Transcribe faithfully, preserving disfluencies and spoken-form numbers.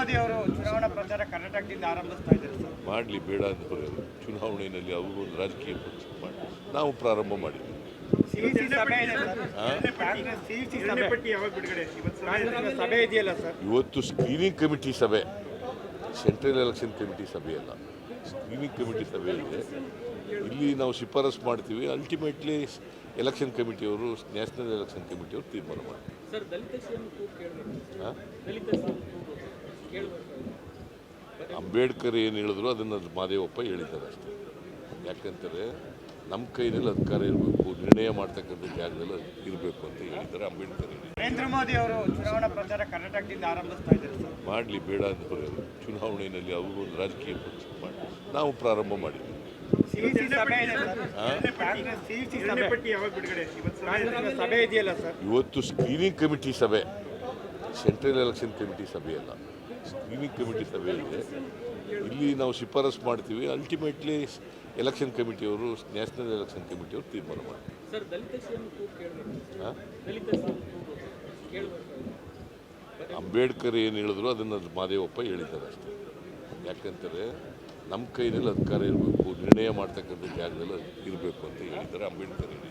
ಮೋದಿ ಅವರು ಚುನಾವಣಾ ಪ್ರಚಾರ ಕರ್ನಾಟಕದಿಂದ ಆರಂಭಿಸ್ತಾ ಇದ್ದಾರೆ ಸರ್. ಮಾಡಲಿ, ಬೇಡ ಅಂತ ಬರೋದು ಚುನಾವಣೆಯಲ್ಲಿ ಅವರು ಒಂದು ರಾಜಕೀಯ ಪಕ್ಷ ಮಾಡಿ ನಾವು ಪ್ರಾರಂಭ ಮಾಡಿದ್ವಿ. ಸಿಇಸಿ ಸಭೆ ಇದೆ ಸರ್. ಕಾಂಗ್ರೆಸ್ ಸಿಇಸಿ ಸಭೆ ಕಾಂಗ್ರೆಸ್ ಸಭೆ ಇದೆಯಲ್ಲ ಸರ್. ಇವತ್ತು ಸ್ಕ್ರೀನಿಂಗ್ ಕಮಿಟಿ ಸಭೆ, ಸೆಂಟ್ರಲ್ ಎಲೆಕ್ಷನ್ ಕಮಿಟಿ ಸಭೆ ಅಲ್ಲ, ಸ್ಕ್ರೀನಿಂಗ್ ಕಮಿಟಿ ಸಭೆ ಇದೆ. ಇಲ್ಲಿ ನಾವು ಶಿಫಾರಸು ಮಾಡ್ತೀವಿ, ಅಲ್ಟಿಮೇಟ್ಲಿ ಎಲೆಕ್ಷನ್ ಕಮಿಟಿಯವರು, ನ್ಯಾಷನಲ್ ಎಲೆಕ್ಷನ್ ಕಮಿಟಿಯವರು ತೀರ್ಮಾನ ಮಾಡ್ತಾರೆ. ಅಂಬೇಡ್ಕರ್ ಏನು ಹೇಳಿದ್ರು ಅದನ್ನು ಮಾದೇವಪ್ಪ ಹೇಳಿದ್ದಾರೆ ಅಷ್ಟೇ. ಯಾಕಂತಾರೆ ನಮ್ಮ ಕೈನಲ್ಲಿ ಅಧಿಕಾರ ಇರಬೇಕು, ನಿರ್ಣಯ ಮಾಡ್ತಕ್ಕಂಥ ಜಾಗದಲ್ಲಿ ಇರಬೇಕು ಅಂತ ಹೇಳಿದ್ದಾರೆ ಅಂಬೇಡ್ಕರ್. ನರೇಂದ್ರ ಮೋದಿ ಅವರು ಚುನಾವಣಾ ಪ್ರಚಾರ ಕರ್ನಾಟಕದಿಂದ ಆರಂಭಿಸ್ತಾ ಇದ್ದಾರೆ ಸರ್. ಮಾಡಲಿ, ಬೇಡ ಅಂತ ಬರೋದು ಚುನಾವಣೆಯಲ್ಲಿ ಅವರು ಒಂದು ರಾಜಕೀಯ ಪಕ್ಷ ಮಾಡಿ ನಾವು ಪ್ರಾರಂಭ ಮಾಡಿದ್ವಿ. ಸಿಇಸಿ ಸಭೆ ಇದೆ ಸರ್. ಕಾಂಗ್ರೆಸ್ ಸಿಇಸಿ ಸಭೆ ಕಾಂಗ್ರೆಸ್ ಸಭೆ ಇದೆಯಲ್ಲ ಸರ್. ಇವತ್ತು ಸ್ಕ್ರೀನಿಂಗ್ ಕಮಿಟಿ ಸಭೆ, ಸೆಂಟ್ರಲ್ ಎಲೆಕ್ಷನ್ ಕಮಿಟಿ ಸಭೆ ಅಲ್ಲ, ಸ್ಕ್ರೀನಿಂಗ್ ಕಮಿಟಿ ಸಭೆ ಇದೆ. ಇಲ್ಲಿ ನಾವು ಶಿಫಾರಸು ಮಾಡ್ತೀವಿ, ಅಲ್ಟಿಮೇಟ್ಲಿ ಎಲೆಕ್ಷನ್ ಕಮಿಟಿಯವರು, ನ್ಯಾಷನಲ್ ಎಲೆಕ್ಷನ್ ಕಮಿಟಿಯವರು ತೀರ್ಮಾನ ಮಾಡ್ತಾರೆ. ಅಂಬೇಡ್ಕರ್ ಏನು ಹೇಳಿದ್ರು ಅದನ್ನು ಮಾದೇವಪ್ಪ ಹೇಳಿದ್ದಾರೆ ಅಷ್ಟೇ. ಯಾಕಂತಾರೆ ನಮ್ಮ ಕೈನಲ್ಲಿ ಅಧಿಕಾರ ಇರಬೇಕು, ನಿರ್ಣಯ ಮಾಡ್ತಕ್ಕಂಥ ಜಾಗದಲ್ಲಿ ಇರಬೇಕು ಅಂತ ಹೇಳಿದ್ದಾರೆ ಅಂಬೇಡ್ಕರ್.